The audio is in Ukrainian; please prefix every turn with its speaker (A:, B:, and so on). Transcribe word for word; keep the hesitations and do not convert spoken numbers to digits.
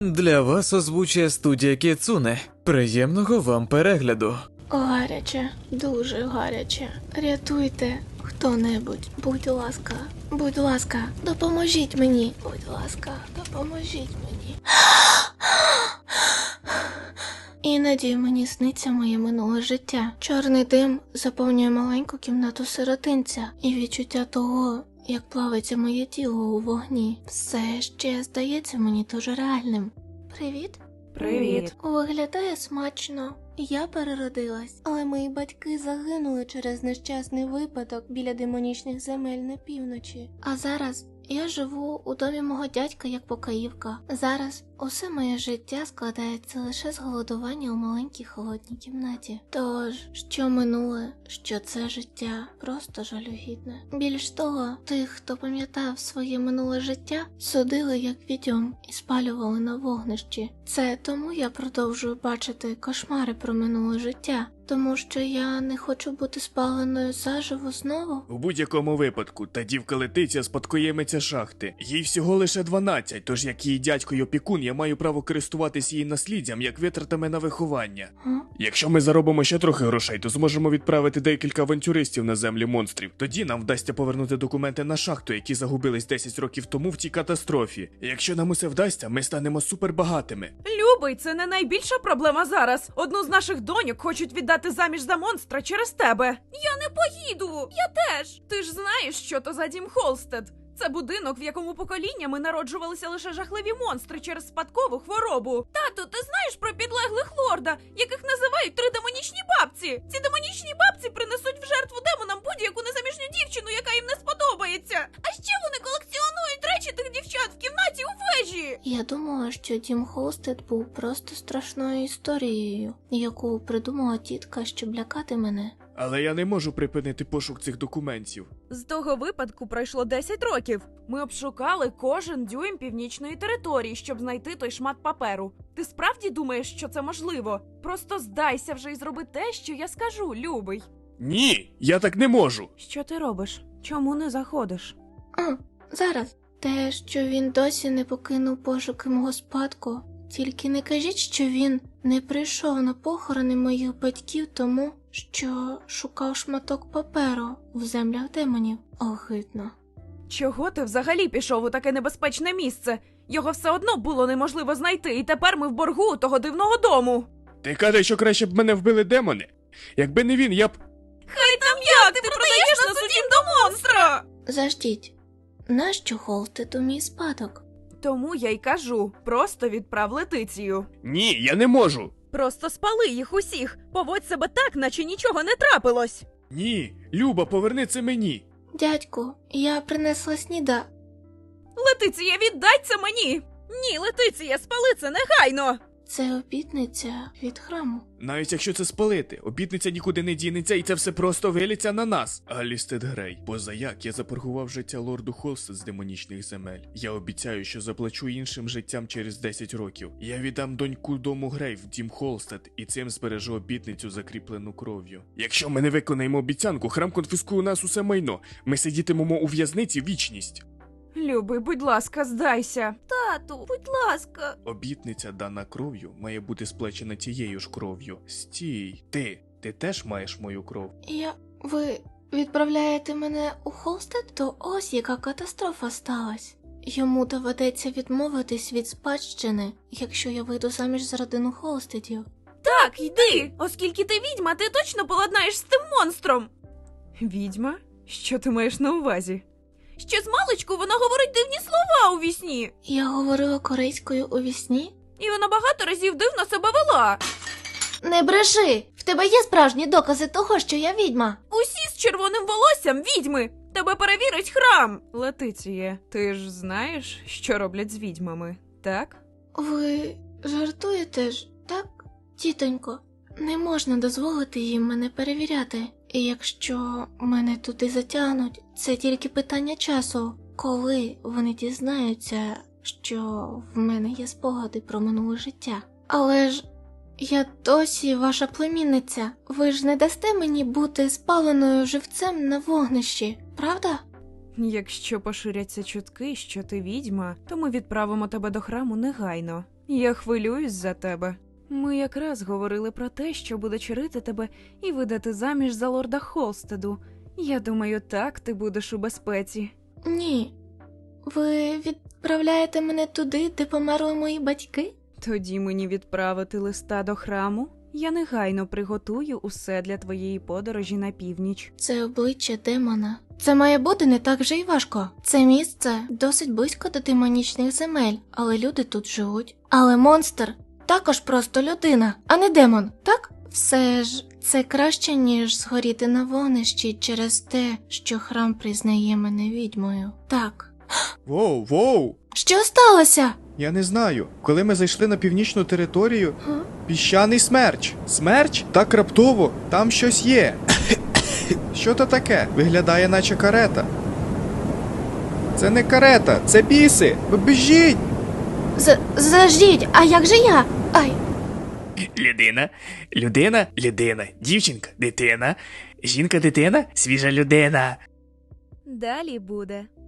A: Для вас озвучує студія Кіцуне. Приємного вам перегляду.
B: Гаряче, дуже гаряче. Рятуйте хто-небудь, будь ласка, будь ласка, допоможіть мені. Будь ласка, допоможіть мені. Іноді мені сниться моє минуле життя. Чорний дим заповнює маленьку кімнату сиротинця, і відчуття того, як плавиться моє тіло у вогні, все ще здається мені дуже реальним. Привіт.
C: Привіт.
B: Виглядає смачно. Я переродилась, але мої батьки загинули через нещасний випадок біля демонічних земель на півночі. А зараз я живу у домі мого дядька як покоївка. Зараз усе моє життя складається лише з голодування у маленькій холодній кімнаті. Тож, що минуле, що це життя, просто жалюгідне. Більш того, тих, хто пам'ятав своє минуле життя, судили як відьом і спалювали на вогнищі. Це тому я продовжую бачити кошмари про минуле життя. Тому що я не хочу бути спаленою заживо знову?
D: У будь-якому випадку, та дівка Летиця спадкоємиця шахти. Їй всього лише дванадцять, тож як її дядько й опікун, я маю право користуватись її насліддям, як витратами на виховання.
B: Га?
D: Якщо ми заробимо ще трохи грошей, то зможемо відправити декілька авантюристів на землі монстрів. Тоді нам вдасться повернути документи на шахту, які загубились десять років тому в тій катастрофі. І якщо нам усе вдасться, ми станемо супербагатими.
C: Любий, це не найбільша проблема зараз. Одну з наших доньок хочуть віддати заміж за монстра через тебе. Я не поїду. Я теж. Ти ж знаєш, що то за дім Холстед. Це будинок, в якому поколіннями народжувалися лише жахливі монстри через спадкову хворобу. Тату, ти знаєш про підлеглих лорда, яких називають три демонічні бабці? Ці демонічні бабці принесуть в жертву демонам будь-яку незаміжню дівчину, яка їм не сподобається. А ще вони колекціонують речі тих дівчат в кімнаті у вежі.
B: Я думала, що дім Холстед був просто страшною історією, яку придумала тітка, щоб лякати мене.
D: Але я не можу припинити пошук цих документів.
C: З того випадку пройшло десять років. Ми обшукали кожен дюйм північної території, щоб знайти той шмат паперу. Ти справді думаєш, що це можливо? Просто здайся вже і зроби те, що я скажу, любий.
D: Ні, я так не можу.
C: Що ти робиш? Чому не заходиш?
B: А, зараз. Те, що він досі не покинув пошуки мого спадку. Тільки не кажіть, що він не прийшов на похорони моїх батьків тому, що шукав шматок паперу в землях демонів. Огидно.
C: Чого ти взагалі пішов у таке небезпечне місце? Його все одно було неможливо знайти, і тепер ми в боргу у того дивного дому.
D: Ти кажеш, що краще б мене вбили демони? Якби не він, я б...
C: Хай там як, ти продаєш нас у дім до монстра!
B: Заждіть. Нащо Холстеду мій спадок?
C: Тому я й кажу, просто відправ Летицію.
D: Ні, я не можу.
C: Просто спали їх усіх, поводь себе так, наче нічого не трапилось.
D: Ні, Люба, поверни це мені.
B: Дядьку, я принесла сніда.
C: Летиція, віддай це мені! Ні, Летиція, спали це негайно!
B: Це обітниця від храму.
D: Навіть якщо це спалити, обітниця нікуди не дінеться, і це все просто виліться на нас. Алістед Грей, позаяк я запоргував життя лорду Холстед з демонічних земель. Я обіцяю, що заплачу іншим життям через десять років. Я віддам доньку дому Грей в дім Холстед, і цим збережу обітницю, закріплену кров'ю. Якщо ми не виконаємо обіцянку, храм конфіскує у нас усе майно. Ми сидітимемо у в'язниці вічність.
C: Любий, будь ласка, здайся. Тату, будь ласка.
D: Обітниця, дана кров'ю, має бути сплечена тією ж кров'ю. Стій. Ти, ти теж маєш мою кров?
B: Я... Ви відправляєте мене у Холстед? То ось яка катастрофа сталась. Йому доведеться відмовитись від спадщини, якщо я вийду заміж за родину Холстедів.
C: Так, йди! Оскільки ти відьма, ти точно поладнаєш з тим монстром. Відьма? Що ти маєш на увазі? Ще з маличку вона говорить дивні слова у вісні.
B: Я говорила корейською у вісні?
C: І вона багато разів дивно себе вела.
B: Не бреши! В тебе є справжні докази того, що я відьма?
C: Усі з червоним волоссям відьми. Тебе перевірить храм. Летиціє, ти ж знаєш, що роблять з відьмами, так?
B: Ви жартуєте ж, так? Тітонько, не можна дозволити їм мене перевіряти. І якщо мене туди затягнуть, це тільки питання часу, коли вони дізнаються, що в мене є спогади про минуле життя. Але ж я досі ваша племінниця. Ви ж не дасте мені бути спаленою живцем на вогнищі, правда?
C: Якщо поширяться чутки, що ти відьма, то ми відправимо тебе до храму негайно. Я хвилююсь за тебе. Ми якраз говорили про те, що буде чарити тебе і видати заміж за лорда Холстеду. Я думаю, так ти будеш у безпеці.
B: Ні. Ви відправляєте мене туди, де померли мої батьки?
C: Тоді мені відправити листа до храму? Я негайно приготую усе для твоєї подорожі на північ.
B: Це обличчя демона. Це має бути не так вже й важко. Це місце досить близько до демонічних земель, але люди тут живуть. Але монстр також просто людина, а не демон, так? Все ж це краще, ніж згоріти на вогнищі через те, що храм признає мене відьмою. Так.
D: Воу, воу!
B: Що сталося?
D: Я не знаю. Коли ми зайшли на північну територію,
B: Га?
D: піщаний смерч. Смерч? Так раптово, там щось є. Що то таке? Виглядає, наче карета. Це не карета, це біси! Ви біжіть!
B: З- Заждіть, а як же я? Ай.
E: Людина, людина, людина, дівчинка, дитина, жінка, дитина, свіжа людина.
C: Далі буде.